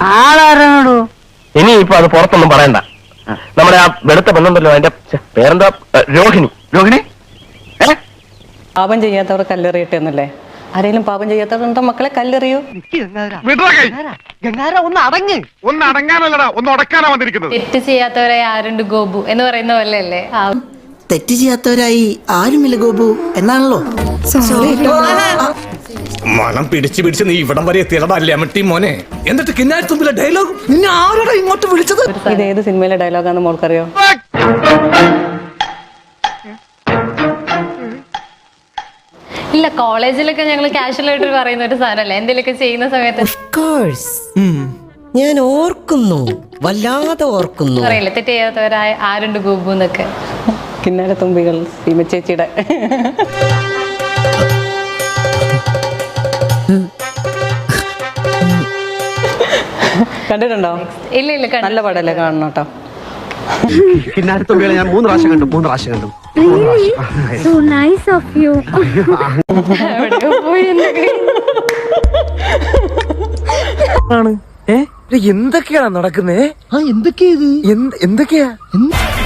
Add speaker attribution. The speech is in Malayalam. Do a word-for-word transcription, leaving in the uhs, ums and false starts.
Speaker 1: ആളാരാണോ?
Speaker 2: ഇനി ഇപ്പൊ അത് പുറത്തൊന്നും പറയണ്ട. നമ്മുടെ ആ വെളുത്ത പെണ്ണുണ്ടല്ലോ, അതിന്റെ പേരെന്താ? രോഹിണി. രോഹിണി
Speaker 3: പാപം ചെയ്യാത്തവർ കല്ലെറിയട്ടെ എന്നല്ലേ? ആരെങ്കിലും പാപം ചെയ്യാത്തവരുണ്ടോ മക്കളെ? കല്ലെറിയൂ.
Speaker 1: ഒന്ന് അടങ്ങ്.
Speaker 4: ഒന്ന് അടങ്ങാനല്ലടാ, ഒന്ന് ഉടക്കാനാ വന്നിരിക്കുന്നത്.
Speaker 5: തെറ്റ് ചെയ്യാത്തവരായി ആരുണ്ട് ഗോപു എന്ന് പറയുന്ന പോലെ അല്ലേ?
Speaker 6: തെറ്റ് ചെയ്യാത്തവരായി ആരുമില്ല ഗോപു എന്നാണല്ലോ.
Speaker 7: മണം പിടിച്ച് പിടിച്ച് നീ ഇവിടം വരെ എത്തിയടാ ലെമട്ടി മോനെ. എന്നിട്ട് കിന്നാരത്തുമ്പിലെ ഡയലോഗ് നിന്നെ ആരോടാ ഇങ്ങോട്ട് വിളിച്ചത്?
Speaker 3: ഇത് ഏത് സിനിമയിലെ ഡയലോഗാന്ന് മോൾക്കറിയോ?
Speaker 5: ഇല്ല, കോളേജിലൊക്കെ ഞങ്ങൾ കാഷ്വൽ ആയിട്ട് പറയുന്ന ഒരു സാധനമല്ലേ എന്തെങ്കിലുമൊക്കെ ചെയ്യുന്ന സമയത്ത്
Speaker 6: ഞാൻ ഓർക്കുന്നു, വല്ലാതെ ഓർക്കുന്നു.
Speaker 5: പറയില്ലേ തെറ്റ് ചെയ്യാത്തവരായ ആരുണ്ട് ഗോപു എന്നൊക്കെ.
Speaker 3: കിന്നാര തുമ്പികൾ സീമച്ചേച്ചിയുടെ കണ്ടിട്ടുണ്ടോ?
Speaker 5: ഇല്ല ഇല്ല,
Speaker 3: നല്ല പടല്ലേ, കാണണം കേട്ടോ.
Speaker 1: കിന്നാരത്തുമ്പികളെ ഞാൻ മൂന്ന് പ്രാവശ്യം കണ്ടു മൂന്ന് പ്രാവശ്യം കണ്ടു
Speaker 5: എവിടെയോ പോയി എന്നൊക്കെ.
Speaker 8: എന്തൊക്കെയാണ് നടക്കുന്നേ?
Speaker 6: ആ എന്തൊക്കെയാ ഇത്?
Speaker 8: എന്തൊക്കെയാ